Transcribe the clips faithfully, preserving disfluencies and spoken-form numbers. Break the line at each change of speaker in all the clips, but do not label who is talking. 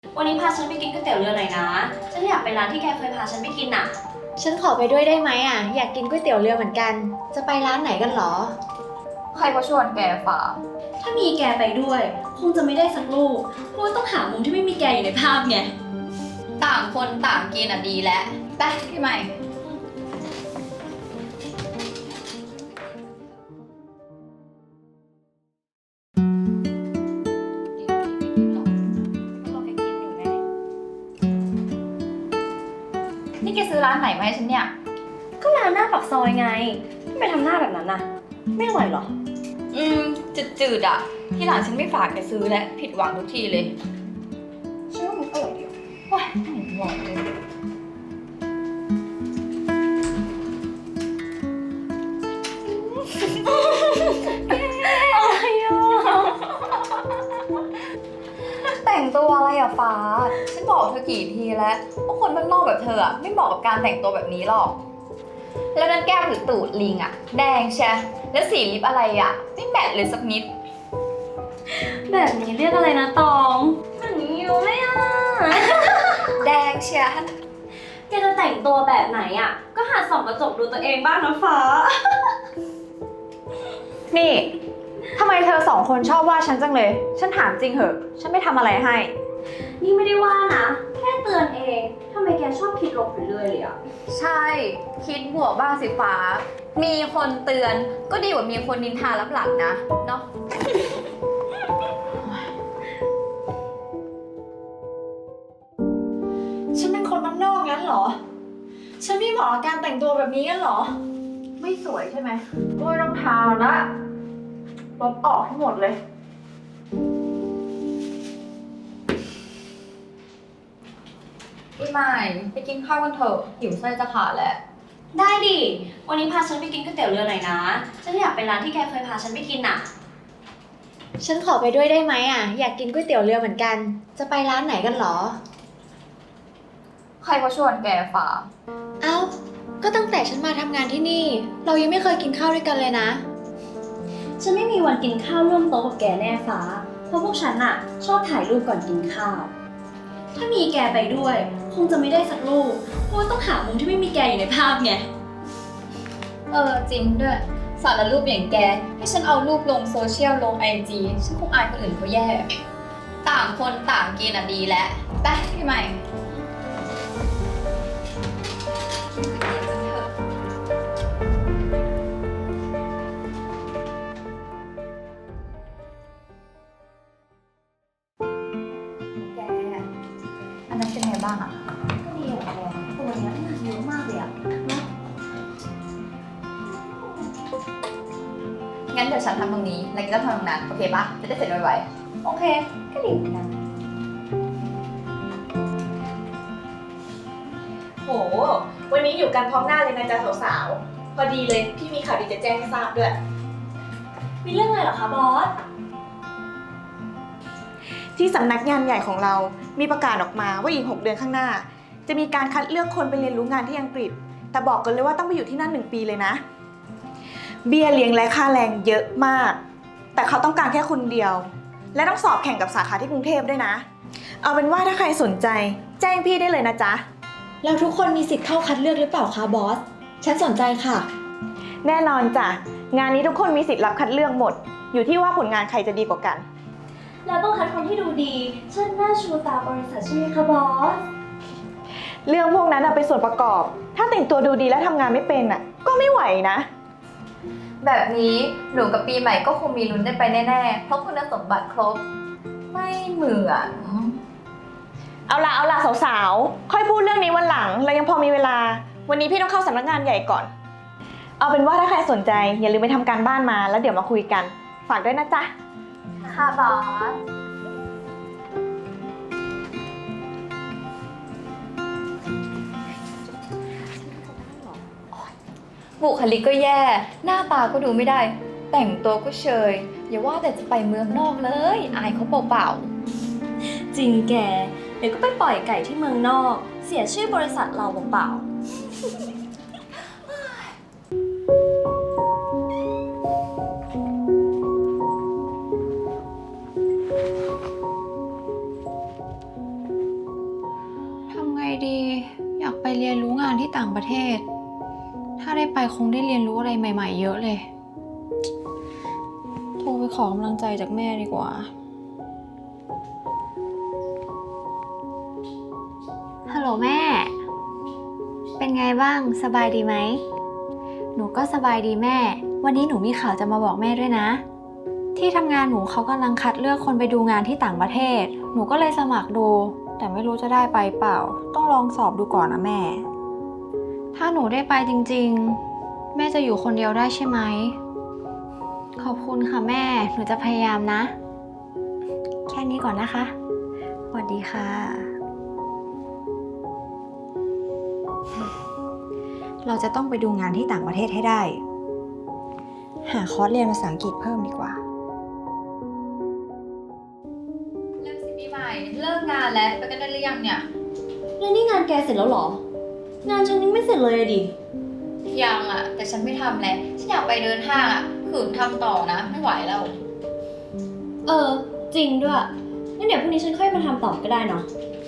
วันนี้พาฉันไปกินก๋วยเตี๋ยวเรือหน่อยนะฉันอยากไปร้านที่แกเคยพาฉันไปกินอ่ะ
ฉันขอไปด้วยได้ไหมอ่ะอยากกินก๋วยเตี๋ยวเรือเหมือนกันจะไปร้านไหนกันหรอ
ใครก็ชวนแกฝ่า
ถ้ามีแกไปด้วยคงจะไม่ได้สักลูกเพราะว่าต้องหามุมที่ไม่มีแกอยู่ในภาพไง
ต่างคนต่างกินอ่ะดีแล้วไปพี่ใหม่นี่แกซื้อร้านไหนมาให้ฉันเนี่ย
ก็ร้านหน้าปากซอยไงทำไมทำหน้าแบบนั้นน่ะไม่อร่อยหรอ
อืมจืดๆอ่ะที่หลังฉันไม่ฝากแกซื้อแล้วผิดหวังทุกทีเลย
ฉันว่ามันอร่อยดี
ว้ายไม่เห็นหวานเลย
อะไรอ่ะ
แต่งตัวอะไรอ่ะฟ้าฉันบอกเธอกี่ทีแล้วว่าคนบ้านนอกแบบเธออ่ะไม่เหมาะกับการแต่งตัวแบบนี้หรอกแล้วนั่นแก้มหรือตูดลิงอ่ะแดงใช่แล้วสีลิปอะไรอ่ะไม่แมทเลยสักนิด
แบบนี้เรียกอะไรนะตองแบบนี้อยู่เลยอ่ะ
แดงเชีย
แกจะแต่งตัวแบบไหนอ่ะก็หัดส่องกระจกดูตัวเองบ้างนะฟ้า
นี่ทำไมเธอสองคนชอบว่าฉันจังเลยฉันถามจริงเหอะฉันไม่ทำอะไรให้
นี่ไม่ได้ว่านะแค่เตือนเองทำไมแกชอบคิดลบไปเรื่อยเลยอ่ะ
ใช่คิดบวกบ้างสิฟ้ามีคนเตือนก็ดีกว่ามีคนนินทารับหลังนะเนาะ
ฉันเป็นคนบ้านนอกงั้นเหรอฉันไม่เหมาะกับการแต่งตัวแบบนี้งั้นเหรอ
ไม่สวยใช่ไหมก็ไม่ต้องทาละลบออกให้หมดเลย
พี่ใหม่ไปกินข้าวกันเถอะหิวไส้จะขาดแล้ว
ได้ดิวันนี้พาฉันไปกินก๋วยเตี๋ยวเรือหน่อยนะฉันอยากไปร้านที่แกเคยพาฉันไปกินอ่ะ
ฉันขอไปด้วยได้ไหมอ่ะอยากกินก๋วยเตี๋ยวเรือเหมือนกันจะไปร้านไหนกันหรอ
ใครก็ชวนแกฝ่า
เอ้าก็ตั้งแต่ฉันมาทำงานที่นี่เรายังไม่เคยกินข้าวด้วยกันเลยนะ
ฉันไม่มีวันกินข้าวร่วมโต๊ะกับแกแน่ฟ้าเพราะพวกฉันอะชอบถ่ายรูปก่อนกินข้าวถ้ามีแกไปด้วยคงจะไม่ได้สักรูปเพราะว่าต้องหามุมที่ไม่มีแกอยู่ในภาพไง
เออจริงด้วยสารรูปอย่างแกให้ฉันเอารูปลงโซเชียลลงไอจีฉันคงอายคนอื่นเขาแย่ต่างคนต่างกินอ่ะดีแล้วไปพี่ใหม่อันนั้นเป็นไงบ้างอ่ะ
ก็ดีอะแกตัวเนี้ยเยอะมากเลยอะ
งั้นเดี๋ยวฉันทำตรงนี้แล้วก็ทำตรงนั้นโอเคปะจะได้เสร็จไว
โอเคก็ดีเหมือนกัน
โหวันนี้อยู่กันพร้อมหน้าเลยนะจ๊ะสาวๆพอดีเลยพี่มีข่าวดีจะแจ้งให้ทราบด้วย
มีเรื่องอะไรเหรอคะบอส
ที่สำนักงานใหญ่ของเรามีประกาศออกมาว่าอีกหกเดือนข้างหน้าจะมีการคัดเลือกคนไปเรียนรู้งานที่อังกฤษแต่บอกกันเลยว่าต้องไปอยู่ที่นั่นหนึ่งปีเลยนะเบี้ยเลี้ยงและค่าแรงเยอะมากแต่เขาต้องการแค่คนเดียวและต้องสอบแข่งกับสาขาที่กรุงเทพด้วยนะเอาเป็นว่าถ้าใครสนใจแจ้งพี่ได้เลยนะจ๊ะ
แล้วทุกคนมีสิทธิ์เข้าคัดเลือกหรือเปล่าคะบอสฉันสนใจค่ะ
แน่นอนจ้ะงานนี้ทุกคนมีสิทธิ์รับคัดเลือกหมดอยู่ที่ว่าผลงานใครจะดีกว่ากัน
เราต้องคัดคนที่ดูดีเช่นหน้าชูตาบริษัทใช่ไหมคะบอส
เรื่องพวกนั้นเป็นส่วนประกอบถ้าแต่งตัวดูดีและทำงานไม่เป็นอ่ะก็ไม่ไหวนะ
แบบนี้หนูกับปีใหม่ก็คงมีลุ้นได้ไปแน่ๆเพราะคุณสมบัติครบไม่เหมือน
เอาล่ะเอาล่ะสาวๆค่อยพูดเรื่องนี้วันหลังเรายังพอมีเวลาวันนี้พี่ต้องเข้าสำนักงานใหญ่ก่อนเอาเป็นว่าถ้าใครสนใจอย่าลืมไปทำการบ้านมาแล้วเดี๋ยวมาคุยกันฝากด้วยนะจ๊ะ
ค่ะบอสบุคลิกก็แย่หน้าตาก็ดูไม่ได้แต่งตัวก็เชยอย่าว่าแต่จะไปเมืองนอกเลยอายเขาเปล่า
ๆจริงแกเดี๋ยวก็ไปปล่อยไก่ที่เมืองนอกเสียชื่อบริษัทเราเปล่าๆ
เรียนรู้งานที่ต่างประเทศ ถ้าได้ไปคงได้เรียนรู้อะไรใหม่ๆเยอะเลย โทรไปขอกำลังใจจากแม่ดีกว่า ฮัลโหลแม่ เป็นไงบ้าง สบายดีไหม หนูก็สบายดีแม่ วันนี้หนูมีข่าวจะมาบอกแม่ด้วยนะ ที่ทำงานหนูเขากำลังคัดเลือกคนไปดูงานที่ต่างประเทศ หนูก็เลยสมัครดู แต่ไม่รู้จะได้ไปเปล่า ต้องลองสอบดูก่อนนะแม่ ถ้าหนูได้ไปจริงๆ แม่จะอยู่คนเดียวได้ใช่ไหม ขอบคุณค่ะแม่ หนูจะพยายามนะ แค่นี้ก่อนนะคะ สวัสดีค่ะ เราจะต้องไปดูงานที่ต่างประเทศให้ได้ หาคอร์สเรียนภาษาอังกฤษเพิ่มดีกว่า
เริ่มสิปีใหม่เลิกงานแล้วไปกันได้หรือยังเนี่ย
แล้วนี่งานแกเสร็จแล้วเหรอ งานฉันยังไม่เสร็จเลยอะดิ
ยังอะแต่ฉันไม่ทำแล้วฉันอยากไปเดินห้างอะขืนทำต่อนะไม่ไหวแล้ว
เออ จริงด้วยงั้นเดี๋ยวพรุ่งนี้ฉันค่อยมาทำต่อก็ได้เนาะ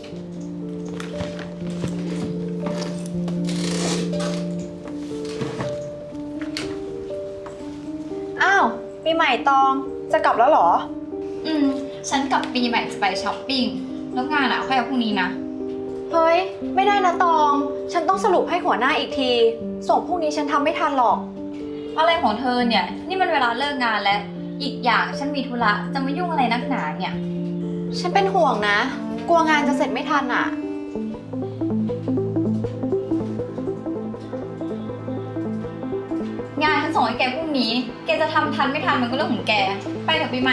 อ้าวปีใหม่ตองจะกลับแล้วเหรอ
อืมฉันกับปีใหม่จะไปช้อปปิ้งแล้วงานอะค่อยเอาพรุ่งนี้นะ
เฮ้ย ไม่ได้นะตอง ฉันต้องสรุปให้หัวหน้าอีกที ส่งพรุ่งนี้ฉันทำไม่ทันหรอก
อะไรของเธอเนี่ยนี่มันเวลาเลิกงานแล้ว อีกอย่างฉันมีธุระจะมายุ่งอะไรนักหนาเนี่ย
ฉันเป็นห่วงนะ กลัวงานจะเสร็จไม่ทันอ่ะ
งานฉันส่งให้แกพรุ่งนี้ แกจะทำทันไม่ทันมันก็เรื่องของแก ไปเถอะปีใหม่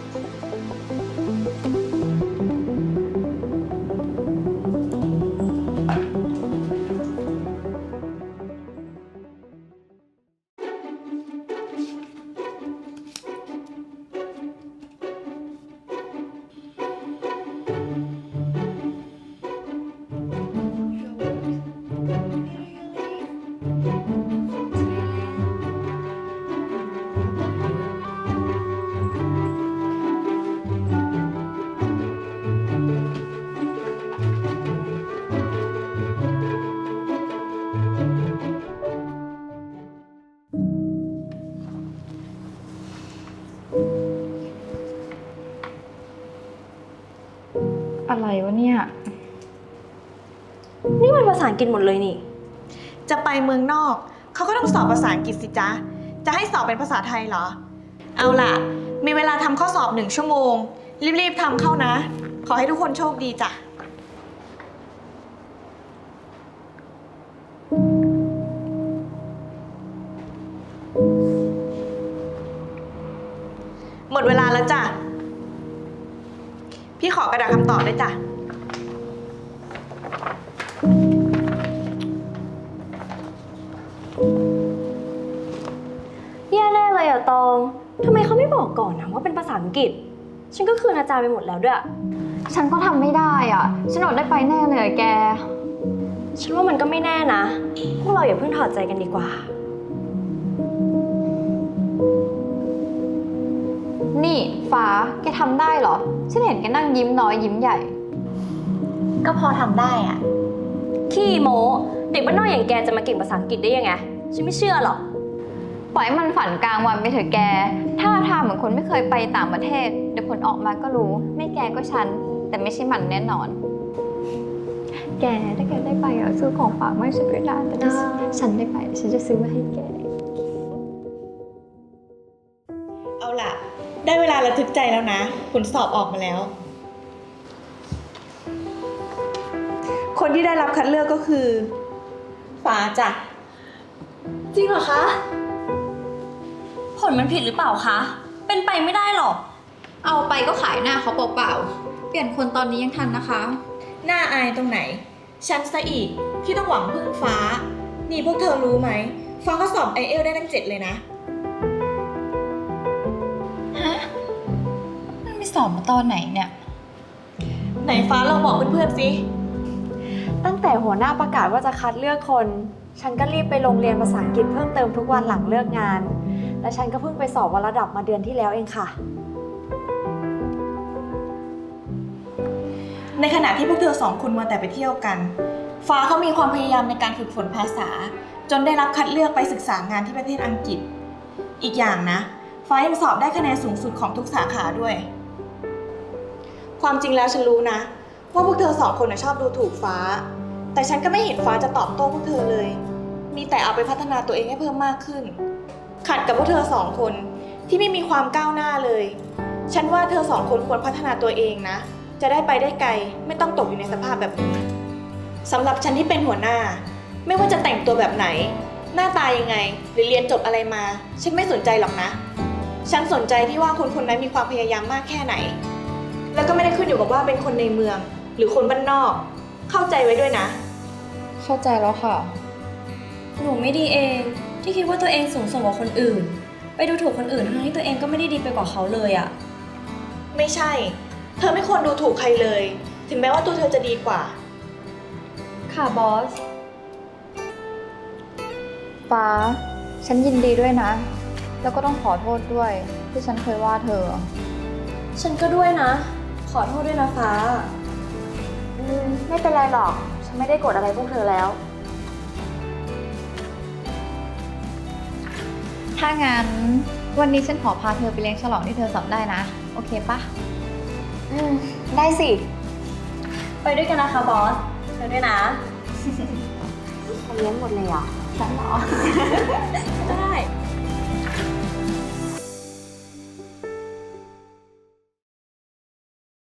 อะไรวะเนี่ย
นี่มันภาษาอังกฤษหมดเลยนี่
จะไปเมืองนอกเขาก็ต้องสอบภาษาอังกฤษสิจ๊ะ จะให้สอบเป็นภาษาไทยเหรอ เอาล่ะ มีเวลาทำข้อสอบหนึ่งชั่วโมง รีบๆทำเข้านะ ขอให้ทุกคนโชคดีจ้ะ หมดเวลาแล้วจ้ะ พี่ขอกระดาษคำตอบด้วยจ้ะ
แย่แน่เลยอะตอง ทำไมเขาไม่บอกก่อนนะว่าเป็นภาษาอังกฤษ ฉันก็คืนอาจารย์ไปหมดแล้วด้วย
ฉันก็ทำไม่ได้อ่ะ ฉันอดได้ไปแน่เลยอะแก
ฉันว่ามันก็ไม่แน่นะ พวกเราอย่าเพิ่งถอดใจกันดีกว่า
นี่ฟ้า แกทำได้เหรอ ฉันเห็นแกนั่งยิ้มน้อยยิ้มใหญ่
ก็พอทำได้อ่ะ
ขี้โม้เด็กบ้านนอกอย่างแกจะมาเก่งภาษาอังกฤษได้ยังไง ฉันไม่เชื่อหรอก
ปล่อยให้มันฝันกลางวันไปเถอะแก ถ้าทางเหมือนคนไม่เคยไปต่างประเทศ เดี๋ยวผลออกมาก็รู้ ไม่แกก็ฉัน แต่ไม่ใช่มันแน่นอน แกถ้าแกได้ไปอ่ะซื้อของฝากมาให้ฉันด้วยนะแต่ถ้าฉันได้ไปฉันจะซื้อมาให้แก
เอาล่ะ ได้เวลาระทึกใจแล้วนะ ผลสอบออกมาแล้ว คนที่ได้รับคัดเลือกก็คือ ฟ้าจ้ะ
จริงเหรอคะ ผลมันผิดหรือเปล่าคะ เป็นไปไม่ได้หรอก
เอาไปก็ขายหน้าเขาเปล่าๆ เปลี่ยนคนตอนนี้ยังทันนะคะ
หน้าอายตรงไหน ฉันซะอีกที่ต้องหวังพึ่งฟ้า นี่พวกเธอรู้ไหม ฟ้าก็สอบไอเอลได้ตั้งเจ็ดเลยนะ
ฮะ มันไปสอบมาตอนไหนเนี่ย
ไหนฟ้าลองบอกเพื่อนๆสิ
ตั้งแต่หัวหน้าประกาศว่าจะคัดเลือกคน ฉันก็รีบไปโรงเรียนภาษาอังกฤษเพิ่มเติมทุกวันหลังเลิกงาน และฉันก็เพิ่งไปสอบวัดระดับมาเดือนที่แล้วเองค่ะ
ในขณะที่พวกเธอสองคนมาแต่ไปเที่ยวกันฟ้าเขามีความพยายามในการฝึกฝนภาษา จนได้รับคัดเลือกไปศึกษางานที่ประเทศอังกฤษ อีกอย่างนะ ฟ้ายังสอบได้คะแนนสูงสุดของทุกสาขาด้วย ความจริงแล้วฉันรู้นะ ว่าพวกเธอสองคนน่ะชอบดูถูกฟ้า แต่ฉันก็ไม่เห็นฟ้าจะตอบโต้พวกเธอเลย มีแต่เอาไปพัฒนาตัวเองให้เพิ่มมากขึ้น ขัดกับพวกเธอสองคนที่ไม่มีความก้าวหน้าเลย ฉันว่าเธอสองคนควรพัฒนาตัวเองนะ จะได้ไปได้ไกล ไม่ต้องตกอยู่ในสภาพแบบนี้สำหรับฉันที่เป็นหัวหน้า ไม่ว่าจะแต่งตัวแบบไหน หน้าตายังไง หรือเรียนจบอะไรมา ฉันไม่สนใจหรอกนะ ฉันสนใจที่ว่าคนคนนั้นมีความพยายามมากแค่ไหน แล้วก็ไม่ได้ขึ้นอยู่กับว่าเป็นคนในเมือง หรือคนบ้านนอก เข้าใจไว้ด้วยนะ
เข้าใจแล้วค่ะ
หนูไม่ดีเองที่คิดว่าตัวเองสูงส่งกว่าคนอื่น ไปดูถูกคนอื่นทั้งที่ตัวเองก็ไม่ได้ดีไปกว่าเขาเลยอะ
ไม่ใช่ เธอไม่ควรดูถูกใครเลย ถึงแม้ว่าตัวเธอจะดีกว่า
ค่ะบอส
ฟ้า ฉันยินดีด้วยนะ แล้วก็ต้องขอโทษด้วย ที่ฉันเคยว่าเธอ
ฉันก็ด้วยนะ ขอโทษด้วยนะฟ้า
อืม ไม่เป็นไรหรอก ฉันไม่ได้โกรธอะไรพวกเธอแล้ว ถ้างั้นวันนี้ฉันขอพาเธอไปเลี้ยงฉลองที่เธอสอบได้นะ โอเคปะ
อืม ได้สิ
ไปด้วยกันนะคะบอสเธอด้วยนะ
เลี้ยงหมดเลยเหรอ
ฉันเหรอ ได้